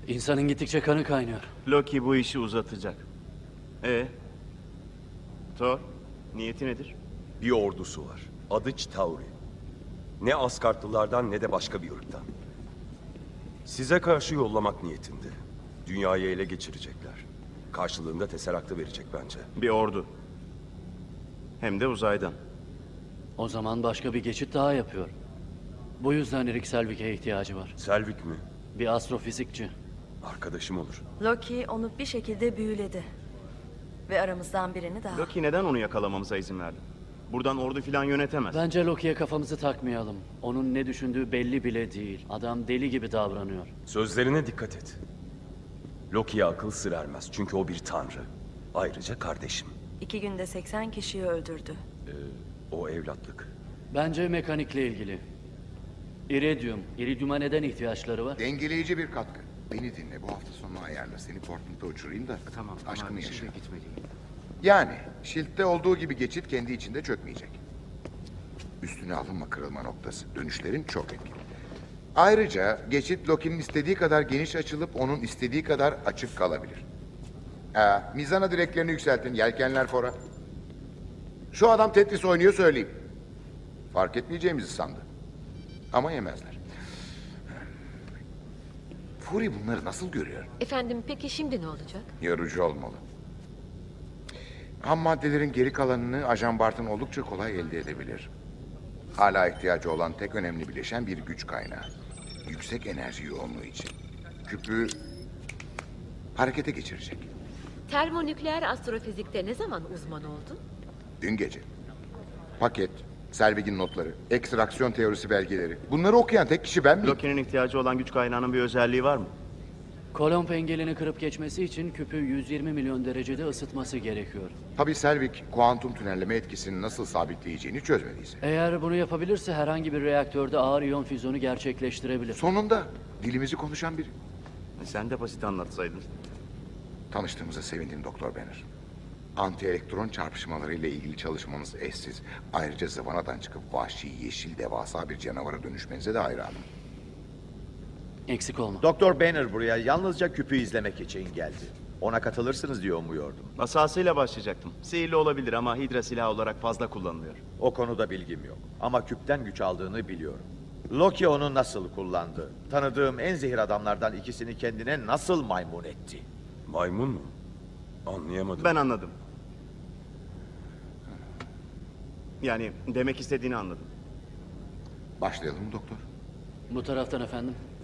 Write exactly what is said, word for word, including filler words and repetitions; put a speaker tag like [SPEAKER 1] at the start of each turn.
[SPEAKER 1] İnsanın gittikçe kanı kaynıyor.
[SPEAKER 2] Loki bu işi uzatacak. E Thor, niyeti nedir?
[SPEAKER 3] Bir ordusu var. Adı Chitauri. Ne Asgardlılardan ne de başka bir ırktan. Size karşı yollamak niyetinde. Dünyayı ele geçirecekler. Karşılığında Tesseract'ı verecek bence.
[SPEAKER 2] Bir ordu. Hem de uzaydan.
[SPEAKER 1] O zaman başka bir geçit daha yapıyor. Bu yüzden Erik Selvik'e ihtiyacı var.
[SPEAKER 3] Selvik mi?
[SPEAKER 1] Bir astrofizikçi.
[SPEAKER 3] Arkadaşım olur.
[SPEAKER 4] Loki onu bir şekilde büyüledi. Ve aramızdan birini daha.
[SPEAKER 2] Loki neden onu yakalamamıza izin verdi? Buradan ordu filan yönetemez.
[SPEAKER 1] Bence Loki'ye kafamızı takmayalım. Onun ne düşündüğü belli bile değil. Adam deli gibi davranıyor.
[SPEAKER 3] Sözlerine dikkat et. Loki'ye akıl sır ermez çünkü o bir tanrı. Ayrıca kardeşim.
[SPEAKER 4] İki günde seksen kişiyi öldürdü.
[SPEAKER 3] O evlatlık.
[SPEAKER 1] Bence mekanikle ilgili. İridium. İridium'a neden ihtiyaçları var?
[SPEAKER 5] Dengeleyici bir katkı. Beni dinle, bu hafta sonu ayarla. Seni Portland'a uçurayım da
[SPEAKER 6] Tamam
[SPEAKER 5] aşkımı
[SPEAKER 6] ama
[SPEAKER 5] yaşa.
[SPEAKER 6] şimdi gitmeliyim.
[SPEAKER 5] Yani Shield'de olduğu gibi geçit kendi içinde çökmeyecek. Üstüne alınma kırılma noktası. Dönüşlerin çok etkili. Ayrıca geçit Loki'nin istediği kadar geniş açılıp onun istediği kadar açık kalabilir. Ee, mizana direklerini yükseltin, yelkenler fora. Şu adam Tetris oynuyor söyleyeyim. Fark etmeyeceğimizi sandı. Ama yemezler. Fury bunları nasıl görüyor?
[SPEAKER 7] Efendim peki şimdi ne olacak?
[SPEAKER 5] Yorucu olmalı. Ham maddelerin geri kalanını Ajan Barton oldukça kolay elde edebilir. Hala ihtiyacı olan tek önemli bileşen bir güç kaynağı. Yüksek enerji yoğunluğu için. Küpü harekete geçirecek.
[SPEAKER 7] Termonükleer astrofizikte ne zaman uzman oldun?
[SPEAKER 5] Dün gece. Paket, Selvig'in notları, ekstraksiyon teorisi belgeleri. Bunları okuyan tek kişi ben miyim?
[SPEAKER 2] Loki'nin ihtiyacı olan güç kaynağının bir özelliği var mı?
[SPEAKER 1] Kolomb engelini kırıp geçmesi için küpü yüz yirmi milyon derecede ısıtması gerekiyor.
[SPEAKER 5] Tabii Selvig, kuantum tünelleme etkisini nasıl sabitleyeceğini çözmediyse.
[SPEAKER 1] Eğer bunu yapabilirse herhangi bir reaktörde ağır iyon füzyonu gerçekleştirebilir.
[SPEAKER 5] Sonunda dilimizi konuşan biri.
[SPEAKER 2] E, Sen de basit anlatsaydın.
[SPEAKER 5] Tanıştığımıza sevindim Doktor Banner. Anti-elektron çarpışmaları ile ilgili çalışmanız eşsiz. Ayrıca zıvanadan çıkıp vahşi, yeşil, devasa bir canavara dönüşmenize de hayranım.
[SPEAKER 1] Eksik olma.
[SPEAKER 6] Doktor Banner buraya yalnızca küpü izlemek için geldi. Ona katılırsınız diye umuyordum.
[SPEAKER 2] Asasıyla başlayacaktım. Sihirli olabilir ama Hydra silahı olarak fazla kullanılıyor.
[SPEAKER 6] O konuda bilgim yok. Ama küpten güç aldığını biliyorum. Loki onu nasıl kullandı? Tanıdığım en zehir adamlardan ikisini kendine nasıl maymun etti?
[SPEAKER 3] Maymun mu? Anlayamadım.
[SPEAKER 2] Ben anladım. Yani demek istediğini anladım.
[SPEAKER 5] Başlayalım mı doktor?
[SPEAKER 1] Bu taraftan efendim.